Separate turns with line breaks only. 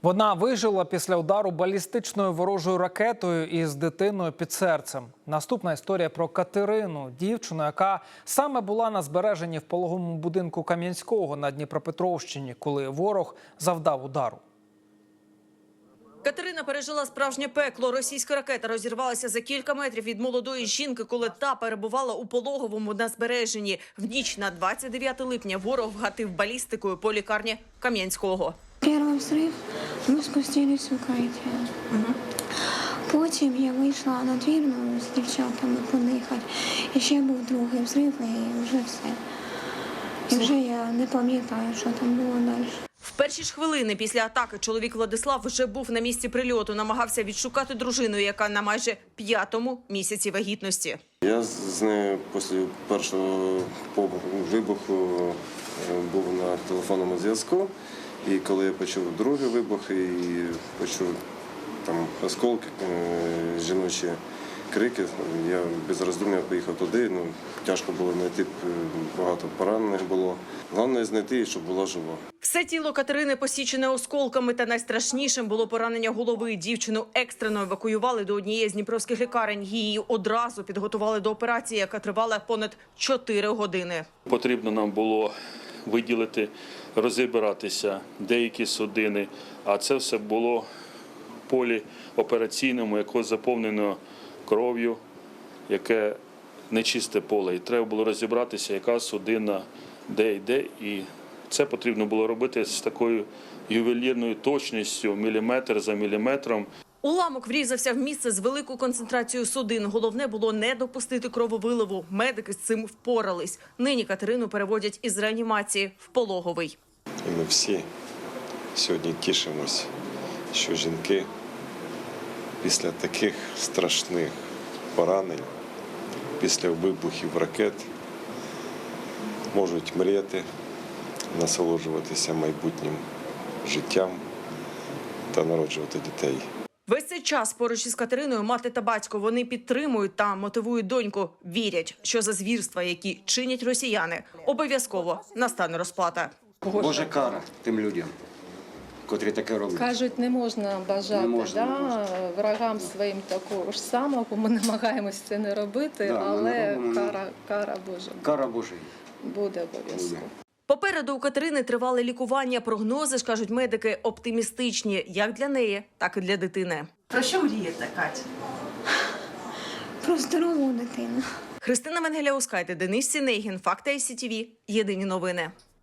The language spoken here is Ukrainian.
Вона вижила після удару балістичною ворожою ракетою із дитиною під серцем. Наступна історія про Катерину, дівчину, яка саме була на збереженні в пологовому будинку Кам'янського на Дніпропетровщині, коли ворог завдав удару.
Катерина пережила справжнє пекло. Російська ракета розірвалася за кілька метрів від молодої жінки, коли та перебувала у пологовому на збереженні. В ніч на 29 липня ворог вгатив балістикою по лікарні Кам'янського.
Перший взрив, ми спустились в укриття. Потім я вийшла на двір з дівчатами подихати. І ще був другий взрив, і вже все. І вже я не пам'ятаю, що там було далі.
В перші ж хвилини після атаки чоловік Владислав вже був на місці прильоту, намагався відшукати дружину, яка на майже 5-му місяці вагітності.
Я з нею після першого вибуху був на телефонному зв'язку. І коли я почув другий вибух і почув там осколки, жіночі крики, я без роздум'я поїхав туди. Тяжко було знайти, багато поранених було. Головне знайти, щоб була жива.
Все тіло Катерини посічене осколками, та найстрашнішим було поранення голови. Дівчину екстрено евакуювали до однієї з дніпровських лікарень. Її одразу підготували до операції, яка тривала понад 4 години.
Потрібно нам було виділити, розібратися деякі судини, а це все було в полі операційному, яке заповнено кров'ю, яке нечисте поле. І треба було розібратися, яка судина де йде. І це потрібно було робити з такою ювелірною точністю, міліметр за міліметром.
Уламок врізався в місце з великою концентрацією судин. Головне було не допустити крововиливу. Медики з цим впорались. Нині Катерину переводять із реанімації в пологовий.
І ми всі сьогодні тішимось, що жінки після таких страшних поранень, після вибухів ракет можуть мріяти, насолоджуватися майбутнім життям та народжувати дітей.
Весь цей час поруч із Катериною мати та батько. Вони підтримують та мотивують доньку. Вірять, що за звірства, які чинять росіяни, обов'язково настане розплата.
Божа кара тим людям, котрі таке роблять.
Кажуть, не можна бажати врагам своїм такого ж самого. Ми намагаємось це не робити, але кара Божа.
Кара Божа
Буде обов'язково.
Попереду у Катерини тривале лікування. Прогнози ж, кажуть медики, оптимістичні як для неї, так і для дитини. Про що мрієте, Кать?
Про здорову дитину.
Христина Венгеля-Ускайте, Денис Сінегін, Факти ICTV. Єдині новини.